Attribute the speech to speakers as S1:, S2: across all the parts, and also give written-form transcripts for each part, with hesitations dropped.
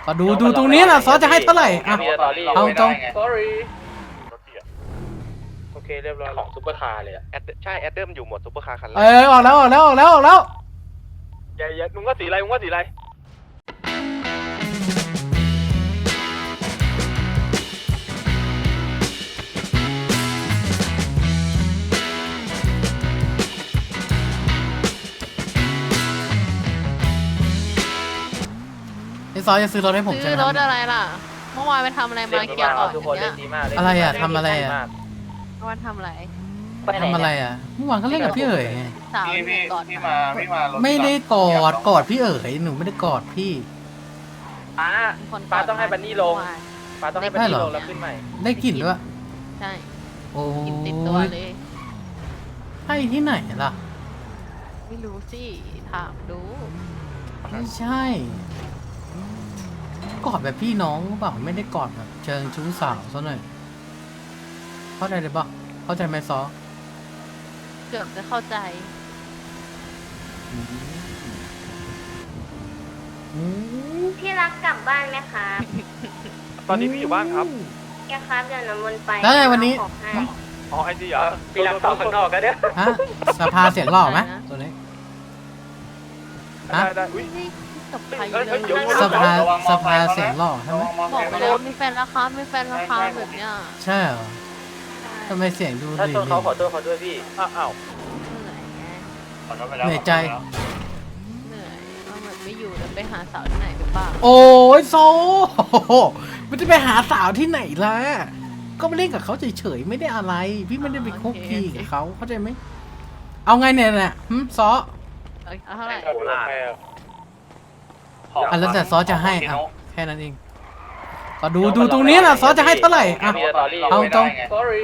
S1: ก็ดูตรงนี้นะซอจะให้เท่าไหร่อ่ะเอาตรง
S2: sorry โอเคเรียบร้อยของซุปเปอร์คาร์เลยอะใช่แอดเดิมอยู่หมดซุปเปอร์คาร์คันแรก
S1: ออกแล้ว
S2: อย่ามึงว่าสีอะไร
S1: ไอ้ซอจะซื้อรถให้ผมใช่
S3: ซื้
S1: ไห
S3: อ
S1: ม
S3: รถอะไรล่ะ เมื่อวานไปทำอะไรมาเคลียร์ก่อนอย่างเงี้ย
S1: อะไรอ่ะทำอะไรอ่ะ
S3: เมื่อวานทำอะไร
S1: ทำอะไรอ่ะเมื่อวานเขาเล่นกับพี่เอ๋ยไง
S3: สาวก่อน
S4: พี่มารถ
S1: ไม่ได้กอดพี่เอ๋ยหนูไม่ได้กอดพี่
S2: ป้าต้องให้บันนี่ลงป้าต้องให้บันนี่ลงแล้วขึ้นใหม่
S1: ได้กลิ่นด้วย
S3: ใช่
S1: โอ้
S3: กินติดตัวเลย
S1: ใช่ที่ไหนล่ะ
S3: ไม่รู้สิถามดู
S1: ไม่ใช่กอดแบบพี่น้องหรือเปล่าไม่ได้กอดแบบเชิงชู้สาวซะหน่อยเข้าใจเลยปะเข้าใจไหมซอ
S3: เกือบจะเข้าใจ
S1: อืม
S5: พี่รักกลับบ้านไหมคะ
S2: ตอนนี้พี่อยู่บ้านครับ
S5: แกครับเดี๋ยวน้ำมันต์ไป
S1: แล้วไงวันนี้
S5: เอาของให้
S2: อ๋อไอ้ที่เหรอพี่รักต่อข้างนอกกันเนี่ย
S1: ฮะสภาเสียงหล่อไหมตัวนี้ฮะ
S2: ได้อุ้ย
S3: นี่กับใคร
S2: เอ้ย
S3: เล
S2: เอ้ย
S3: ย
S2: เดี๋ยว
S1: สภาเสียงหล่อใช่ไหม
S3: บอกไปแล้วมีแฟนราคามีแฟนราคาแบบเนี้ย
S1: ใช่เหรอทำไมเสียงดู
S2: ถ้า
S1: ดี
S2: ชนเขาขอโทษเขาด้วยพี่อ้าว
S3: เหนื่อยไง
S1: เหนื่อยใจ
S3: เหนื่อยว่าแบบไม่อยู่แล้วไปหาสาวที่ไหนหรือเปล่า
S1: โอ้ยโซมันจะไปหาสาวที่ไหนล่ะก็ไปเล่นกับเขาเฉยๆไม่ได้อะไร พี่ไม่ได้ไปคุกคีกับเขาเข้าใจไหมเอาไงเนี่ยซอ
S3: เอาเท่าไหร่
S1: อ่ะแล้วแต่ซอจะให้อ่ะแค่นั้นเองก็ดูตรงนี้นะซอจะให้เท่าไหร่อ่ะเอาตรง
S2: sorry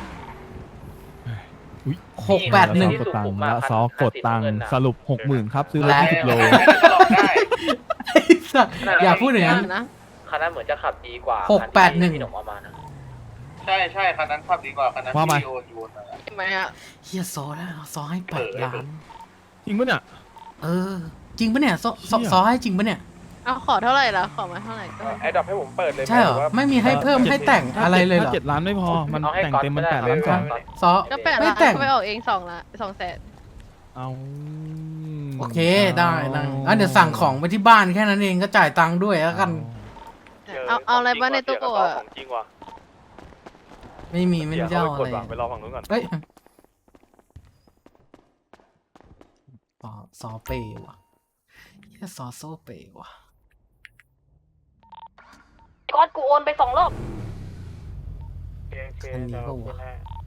S1: 681
S6: กดตังค์แล้วซอกดตังค์สรุป 60,000 ครับ ซื้อรถ
S1: และ
S6: 20 โล
S1: ไอ้สัสอย่าพูดอย่างนั้น
S3: นะ
S2: คันนั้นเหมือนจะขับดีกว่า
S1: 681
S2: พี่หนุ่มเอามานะ
S4: ใช่คันนั้นขับดีกว่าคันนั้น
S6: ว่ามา
S4: โยน
S3: ใช่ไหมอ่ะ
S1: เฮียซอแล้วซอให้8 ล้าน
S6: จริงปะเนี่ย
S1: จริงปะเนี่ยซอให้จริงปะเนี่ย
S3: เอาขอเท่าไหร่ล่ะขอมาเท่าไหร่ก็
S2: ไอ้ดอกให้ผมเปิดเลย
S1: ใช่เหรอไม่มีให้เพิ่มให้แต่งอะไรเลยเหรอ
S6: ถ้า7 ล้านไม่พอ มันแต่งเต็มมัน8 ล้าน 2
S1: ซอ
S3: ก็แปด
S1: ไม่
S3: ล้าน
S1: แต่ง
S3: ก็ไปออกเอง200,000
S6: เอา
S1: โอเคได้เดี๋ยวสั่งของไปที่บ้านแค่นั้นเองก็จ่ายตังค์ด้วยแล้วกัน
S3: เอาอะไรบ้างในตู้โกะ
S2: ของจริงว่ะ
S1: ไม่มีไม่ได้เจ้าอะไร
S2: ไปรอฝั่งนู้นก่อน
S1: เฮ้ยซอเปย์ว่ะเฮียซอโซเปย์ว่ะ
S5: ก๊อตกูโอนไป2 รอบ
S1: คันนี้ก็วะ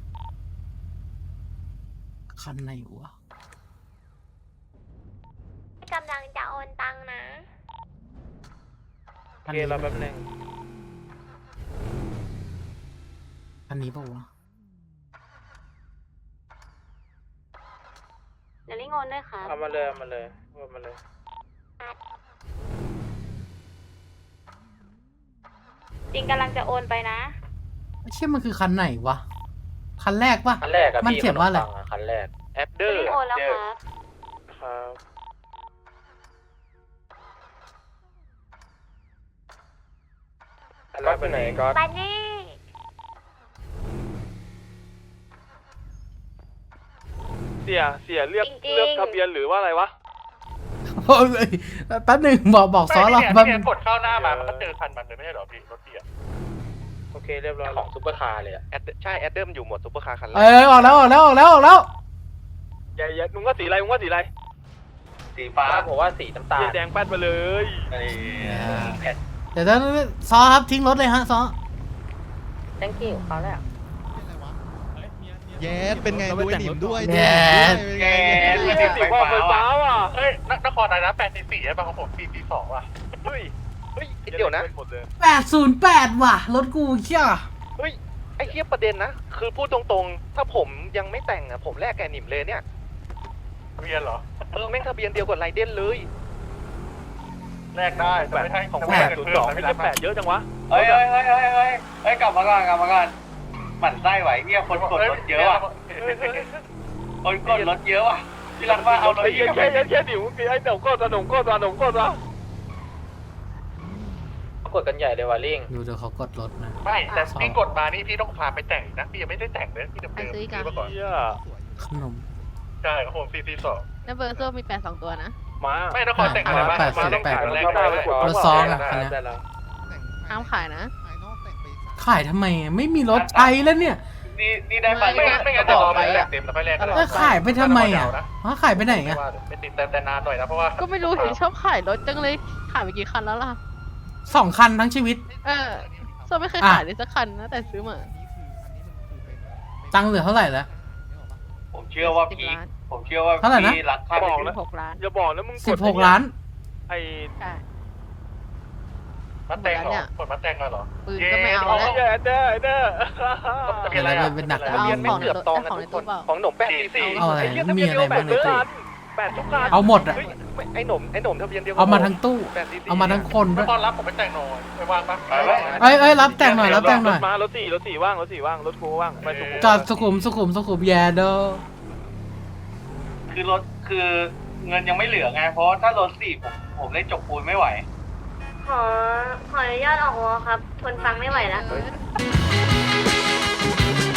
S1: คันไหนวะ
S5: กำลังจะโอนตังค์นะ
S2: โอเคเราแป๊บนึง
S1: คันนี้ปะวะ
S5: เดี๋ยวลิงโอนด้วยครับ
S2: เอามาเลย
S5: จริงกำลังจะโอนไปนะ
S1: เชื่อมันคือคันไหนวะคันแรกปะ
S2: คันแรกอะ
S1: มันเขียนว่าอะไร
S2: คันแรกแอปเดอร์
S5: ลิงโอนแล้วครับ
S2: ครับก็ไปไหนก็
S5: ไปนี่
S2: เสียเลือกทะเบียนหรือว่าอะไรวะ
S1: โอ้ยแป๊บหนึ่งบอกซอเราแป๊บนึง
S4: กดเข้าหน้ามามันก็เจอคันมันเลยไม่ใช่หรอพี่รถเสีย
S2: โอเคเรียบร้อยของซุปเปอร์คาร์เลยอะใช่แอดเดิมอยู่หมดซุปเปอร์คาร์คันแรก
S1: ออกแล้ว
S2: อย่ามึงว่าสีอะไร
S4: สีฟ้า
S2: ผมว่าสีน้ำตาลแดงแป๊ดไปเลย
S1: เดี๋ยวซอครับทิ้งรถเลยฮะซอ
S5: thank you เขาแล้ว
S7: แย่เป็นไงด้วยหนิมด้วย
S1: แย่
S4: แก
S2: สีว่าไฟฟ้าว่ะ
S4: เฮ้ยนครอะไรนะ844ใช่ป่ะของผม442ว่ะ
S2: เฮ้ยเดี๋ยวนะ
S1: 808ว่ะรถกูเชี่ย
S2: เฮ้ยไอ้เหี้ยประเด็นนะคือพูดตรงๆถ้าผมยังไม่แต่งอะผมแลกแกหนิมเลยเนี่ย
S4: ทะเบียนเหรอ
S2: แม่งทะเบียนเดียวกับไรเด่นเลย
S4: แลกได้แต่ไม่ใช่ของ
S2: 802ไม่ใช่8เยอะจังวะ
S4: เฮ้ยกลับมาก่อนหมั่นไส้ไหวเนี่ยคนกดรถเยอะว่ะคนกดรถเยอะว่ะที่รักว่าเอารถ
S2: ไอ้เหี้ยแค่หนิมไอ้หนุ่มก็ตัว
S8: กดกันใหญ่เลยว่ะลิง
S1: ดูเดี๋ยวเขากดรถนะ
S2: ไม่แต่พี่กดมานี่พี่ต้องพาไปแต่งนะพี่ยังไม่ได้แต่งเลยพี่เดิม
S3: ไปซื้ออีก
S2: ซื้อมาก่อน
S1: ขนม
S2: ใช่ครับผมCT2
S3: แล้วเบอร์โซ่มี8 2 ตัวนะ
S2: ไม่นครแต่งอะไรบ้างมาต้องขายแรกได้
S1: รถซองอ่ะคันเนี้ย
S3: ห้ามขายนะ
S7: ภายนอกแต่งไป
S1: ขายทำไมอะไม่มีรถใช้แล้วเนี่ย
S4: นี่ได้ไป
S2: ไม่งั้นจะรอไปแต่งเต็มแล้วค่อยแลกกัน
S1: แล้วขายไปทำไมอ่ะขายไปไหนอ่ะ
S2: ไม่ติดแต่นานหน่อยนะเพราะว่า
S3: ก็ไม่รู้เห็นชอบขายรถจังเลยขายไปกี่คันแล้วล่ะ
S1: 2 คันทั้งชีวิต
S3: โซ่ไม่เคยขายเลยสักคันนะแต่ซื้อมา
S1: ตังค์เหลือเท่าไหร่แล้ว
S4: ผมเชื่อว่าพีคผมเชื่อว่า
S1: เท่าไหร่นะ
S4: พี่รักค่า
S3: 6 ล้าน
S2: อย่าบอกนะมึง
S1: 16 ล้าน
S2: ไอ้
S3: ใช่
S2: มาแตงเหรอกดมาแตงมาเหรอ
S3: ปืนก็ไม่เอาแล้ว
S2: เด้อ
S1: เดี๋ยวเราเป็นหนักกว่า
S3: เอา
S1: นี้
S3: ของในตู้เอาของในตู้เปล่า
S2: ของหนม844
S1: เอาอะไรมีอะไรบ้างในตู้
S2: 8ทุกคัน
S1: เอาหมดอ่ะ
S2: ไอ้หนมทะเบียนเดียว
S1: เอามาทั้งตู้ เอามาทั้งคนด้วย
S2: ตอนรับผมไปแต่งหน่อยไปวางปะ
S1: เอ้ยรับแต่งหน่อยรับแต่งหน่อย
S2: มารถสี่ว่างรถกูว่างไปสุขุม
S1: จอดสุขุมแย่เด้อ
S4: คือรถคือเงินยังไม่เหลือไงเพราะถ้ารถสี่ผมเล่นจกปูนไม่ไหว
S5: ขออนุญาตออกวอครับ ทนฟังไม่ไหวแล้ว
S3: เ